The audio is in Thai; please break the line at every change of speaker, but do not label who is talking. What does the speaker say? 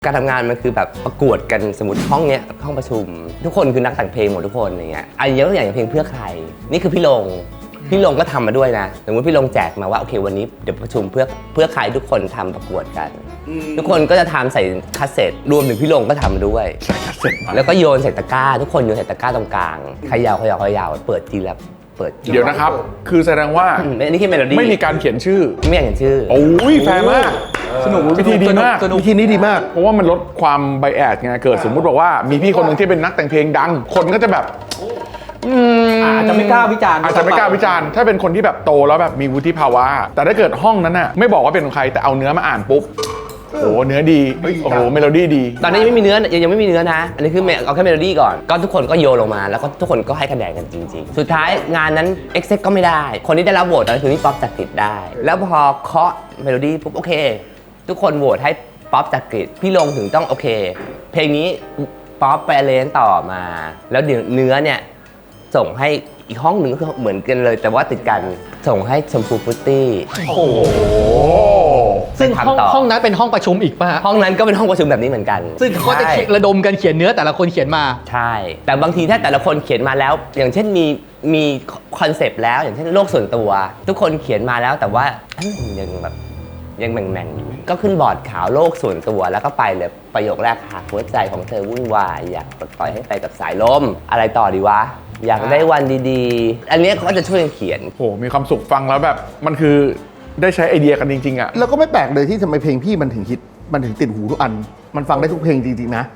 การทำงานมันคือแบบประกวดกันสมมติห้องเนี้ยห้องประชุมทุกคนคือนักแต่งเพลงหมดทุกคนอย่างเงี้ยอันยกตัวอย่างเพลงเพื่อใครนี่คือพี่ลงก็ทำมาด้วยนะสมมติพี่ลงแจกมาว่าโอเควันนี้เดี๋ยวประชุมเพื่อใครทุกคนทำประกวดกันทุกคนก็จะทำใส่คาสเซ็ตรวมถึงพี่ลงก็ทำด้วย
ใส่คาสเซ็ต
แล้วก็โยนใส่ตะกร้าทุกคนโยนใส่ตะกร้าตรงกลางเขย่าเปิดทีละเปิด
เดี๋ยวนะครับคือแสดงว่า
อันนี้คือเมโลดี้
ไม่มีการเขียนชื่อ
ไม่อยากเขียนชื่อ
โอ้ยแฟร์มากสนุกวิธีดีมาก
วิธีนี้ดีมาก
เพราะว่ามันลดความไบแอสไงเกิดสมมุติบอกว่ามีพี่คนหนึ่งที่เป็นนักแต่งเพลงดังคนก็จะแบบ
อาจจะไม่กล้าวิจารณ์
ถ้าเป็นคนที่แบบโตแล้วแบบมีวุฒิภาวะแต่ถ้าเกิดห้องนั้นน่ะไม่บอกว่าเป็นใครแต่เอาเนื้อมาอ่านปุ๊บโอ้เนื้อดีโอ้โหเมโลดี้ดี
ตอนนี้ยังไม่มีเนื้อยังไม่มีเนื้อนะอันนี้คือเอาแค่เมโลดี้ก่อนก็ทุกคนก็โยนลงมาแล้วก็ทุกคนก็ให้คะแนนกันจริงๆสุดท้ายงานนั้นเอ็กเซ็กก็ไม่ได้คนที่ได้รับโหวตตอนนั้นคือพี่ป๊อปจักริดได้แล้วพอเคาะเมโลดี้ปุ๊บโอเคทุกคนโหวตให้ป๊อปจักริดพี่ลงถึงต้องโอเคเพลงนี้ป๊อปไปเลนต่อมาแล้วเดี๋ยวเนื้อเนี่ยส่งให้อีกห้องหนึ่งคือเหมือนกันเลยแต่ว่าติดกันส่งให้ชมพูฟุตตี้
โอ้โหซึ่งห้องนั้นเป็นห้องประชุมอีกป่ะฮะ
ห้องนั้นก็เป็นห้องประชุมแบบนี้เหมือนกัน
ซึ่งเขาจะระดมกันเขียนเนื้อแต่ละคนเขียนมา
ใช่แต่บางทีถ้าแต่ละคนเขียนมาแล้วอย่างเช่นมีคอนเซปต์แล้วอย่างเช่นโลกส่วนตัวทุกคนเขียนมาแล้วแต่ว่ายังแม่งอยู่ก็ขึ้นบอร์ดขาวโลกส่วนตัวแล้วก็ไปเลยประโยคแรกหากหัวใจของเธอวุ่นวายอยากปลดปล่อยให้ไปกับสายลมอะไรต่อดีวะอยากได้วันดีๆอันนี้เขาก็จะช่วยเขียน
โหมีความสุขฟังแล้วแบบมันคือได้ใช้ไอเดียกันจริงๆอ่ะ
แล้วก็ไม่แปลกเลยที่ทำไมเพลงพี่มันถึงฮิตมันถึงติดหูทุกอันมันฟังได้ทุกเพลงจริงๆนะ